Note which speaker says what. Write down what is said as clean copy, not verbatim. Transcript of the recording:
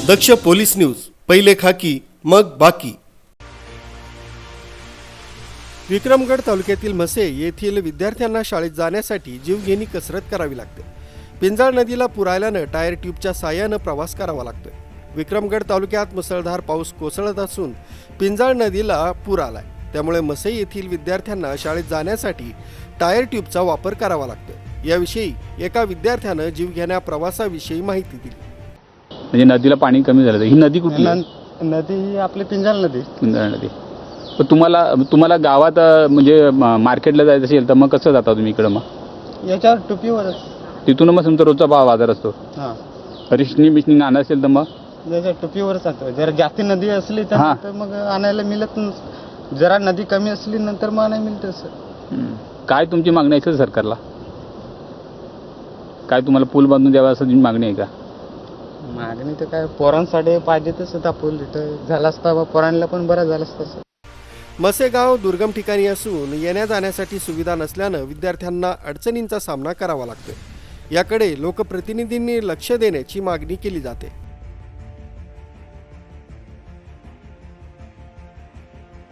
Speaker 1: दक्ष police news, पहिले खाकी मग बाकी। विक्रमगड तालुक्यातील म्हसे येथील विद्यार्थ्यांना शाळेत जाण्यासाठी जीवघेणी कसरत करावी लागते। पिंजाळ नदीला पूर आल्याने टायर ट्यूबच्या साहाय्याने प्रवास करावा लागतोय। विक्रमगड तालुक्यात मुसळधार पाऊस कोसळत असून पिंजाळ नदीला पूर आलाय, त्यामुळे म्हसे येथील विद्यार्थ्यांना शाळेत जाण्यासाठी टायर ट्यूबचा वापर करावा लागतोय। याविषयी एका विद्यार्थ्याने जीवघेण्या प्रवासाविषयी माहिती दिली।
Speaker 2: म्हणजे नदीला पाणी कमी झालं, ही नदी कुठली आहे?
Speaker 3: नदी ही आपली पिंजाळ नदी।
Speaker 2: पिंजाळ नदी। पण तुम्हाला गावात म्हणजे मार्केटला जायचं असेल तर मग कसं जाता तुम्ही इकडं? मग
Speaker 3: याच्यावर टुपीवरच
Speaker 2: तिथून मग तुमचा रोजचा बाजार असतो।
Speaker 3: हां,
Speaker 2: रिशनी बिशनी आणा असेल तर मग
Speaker 3: याच्या टुपीवरच जातो। जर जास्त नदी असली तर मग आणायला मिळत नाही, जरा नदी कमी असली नंतर मग आणायला मिळतं सर।
Speaker 2: काय तुमची मागणी आहे सरकारला? काय तुम्हाला पूल बांधून द्यावा असं तुमची मागणी आहे का?
Speaker 3: मागणी तर काय पोरांसाठी पाहिजे तसं पूल इथं झाला असता, पोरांना पण बरं झालं असतं सर।
Speaker 1: म्हसे गाव दुर्गम ठिकाणी असून येण्या जाण्यासाठी सुविधा नसल्याने विद्यार्थ्यांना अडचणींचा सामना करावा लागतोय। याकडे लोकप्रतिनिधींनी लक्ष देण्याची मागणी केली जाते।